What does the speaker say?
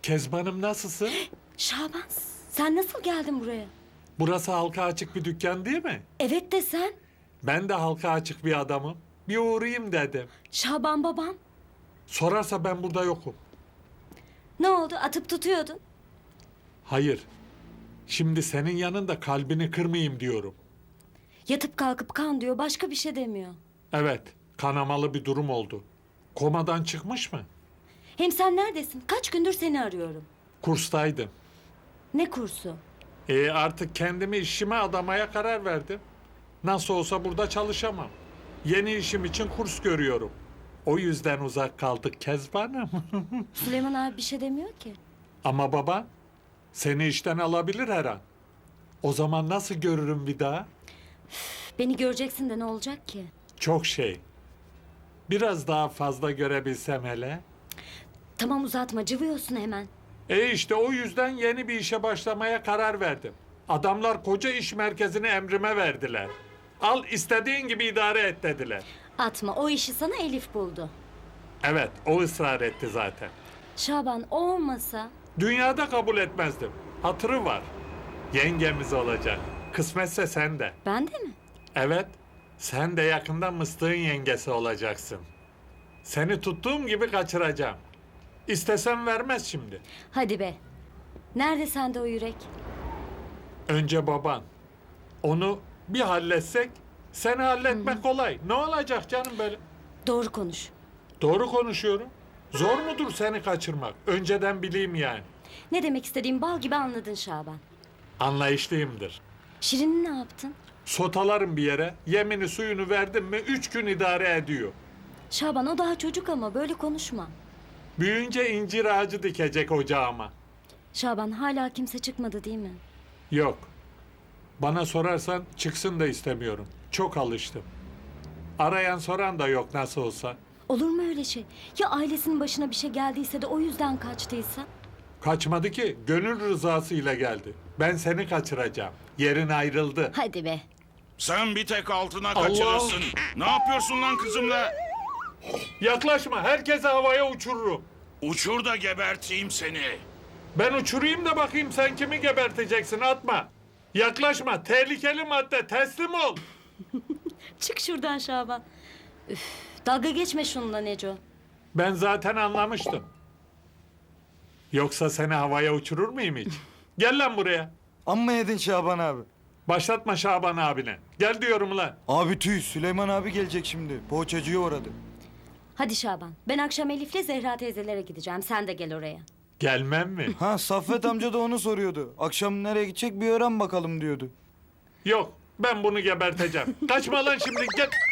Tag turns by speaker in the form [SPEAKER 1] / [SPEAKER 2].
[SPEAKER 1] Kezban'ım nasılsın?
[SPEAKER 2] Şaban, sen nasıl geldin buraya?
[SPEAKER 1] Burası halka açık bir dükkan değil mi?
[SPEAKER 2] Evet de sen.
[SPEAKER 1] Ben de halka açık bir adamım. Bir uğrayayım dedim.
[SPEAKER 2] Şaban babam.
[SPEAKER 1] Sorarsa ben burada yokum.
[SPEAKER 2] Ne oldu? Atıp tutuyordun.
[SPEAKER 1] Hayır. Şimdi senin yanında kalbini kırmayayım diyorum.
[SPEAKER 2] Yatıp kalkıp kan diyor, başka bir şey demiyor.
[SPEAKER 1] Evet, kanamalı bir durum oldu. Komadan çıkmış mı?
[SPEAKER 2] Hem sen neredesin? Kaç gündür seni arıyorum.
[SPEAKER 1] Kurstaydım.
[SPEAKER 2] Ne kursu?
[SPEAKER 1] Artık kendimi işime adamaya karar verdim. Nasıl olsa burada çalışamam. Yeni işim için kurs görüyorum. O yüzden uzak kaldık Kezban'ım.
[SPEAKER 2] Süleyman abi bir şey demiyor ki.
[SPEAKER 1] Ama baba seni işten alabilir her an. O zaman nasıl görürüm bir daha?
[SPEAKER 2] Beni göreceksin de ne olacak ki?
[SPEAKER 1] Çok şey. Biraz daha fazla görebilsem hele.
[SPEAKER 2] Tamam uzatma, cıvıyorsun hemen.
[SPEAKER 1] İşte o yüzden yeni bir işe başlamaya karar verdim. Adamlar koca iş merkezini emrime verdiler. Al istediğin gibi idare et dediler.
[SPEAKER 2] Atma, o işi sana Elif buldu.
[SPEAKER 1] Evet, o ısrar etti zaten.
[SPEAKER 2] Şaban, o olmasa...
[SPEAKER 1] Dünyada kabul etmezdim. Hatırı var. Yengemiz olacak. Kısmetse sen de.
[SPEAKER 2] Ben de mi?
[SPEAKER 1] Evet, sen de yakında Mıstık'ın yengesi olacaksın. Seni tuttuğum gibi kaçıracağım. İstesem vermez şimdi.
[SPEAKER 2] Hadi be. Nerede sende o yürek?
[SPEAKER 1] Önce baban. Onu bir halletsek, seni halletmek kolay. Ne olacak canım böyle?
[SPEAKER 2] Doğru konuş.
[SPEAKER 1] Doğru konuşuyorum. Zor mudur seni kaçırmak? Önceden bileyim yani.
[SPEAKER 2] Ne demek istediğimi bal gibi anladın Şaban.
[SPEAKER 1] Anlayışlıyımdır.
[SPEAKER 2] Şirin'i ne yaptın?
[SPEAKER 1] Sotalarım bir yere, yemini suyunu verdim mi 3 gün idare ediyor.
[SPEAKER 2] Şaban, o daha çocuk ama böyle konuşma.
[SPEAKER 1] Büyüyünce incir ağacı dikecek ocağıma.
[SPEAKER 2] Şaban, hala kimse çıkmadı değil mi?
[SPEAKER 1] Yok. Bana sorarsan çıksın da istemiyorum. Çok alıştım. Arayan soran da yok nasıl olsa.
[SPEAKER 2] Olur mu öyle şey? Ya ailesinin başına bir şey geldiyse de o yüzden kaçtıysa?
[SPEAKER 1] Kaçmadı ki, gönül rızasıyla geldi. Ben seni kaçıracağım. Yerin ayrıldı.
[SPEAKER 2] Hadi be.
[SPEAKER 3] Sen bir tek altına kaçırırsın. Ne yapıyorsun lan kızımla?
[SPEAKER 1] Yaklaşma, herkese havaya uçururum.
[SPEAKER 3] Uçur da geberteyim seni.
[SPEAKER 1] Ben uçurayım da bakayım sen kimi geberteceksin, atma. Yaklaşma, tehlikeli madde, teslim ol.
[SPEAKER 2] Çık şuradan Şaban. Üf, dalga geçme şununla Neco.
[SPEAKER 1] Ben zaten anlamıştım. Yoksa seni havaya uçurur muyum hiç? Gel lan buraya.
[SPEAKER 4] Amma yedin Şaban abi.
[SPEAKER 1] Başlatma Şaban abine. Gel diyorum lan.
[SPEAKER 4] Abi tüy, Süleyman abi gelecek şimdi. Poğaçacıya uğradı.
[SPEAKER 2] Hadi Şaban. Ben akşam Elif'le Zehra teyzelere gideceğim. Sen de gel oraya.
[SPEAKER 1] Gelmem mi?
[SPEAKER 4] Ha Saffet amca da onu soruyordu. Akşam nereye gidecek bir öğren bakalım diyordu.
[SPEAKER 1] Yok, ben bunu geberteceğim. Kaçma lan şimdi, gel.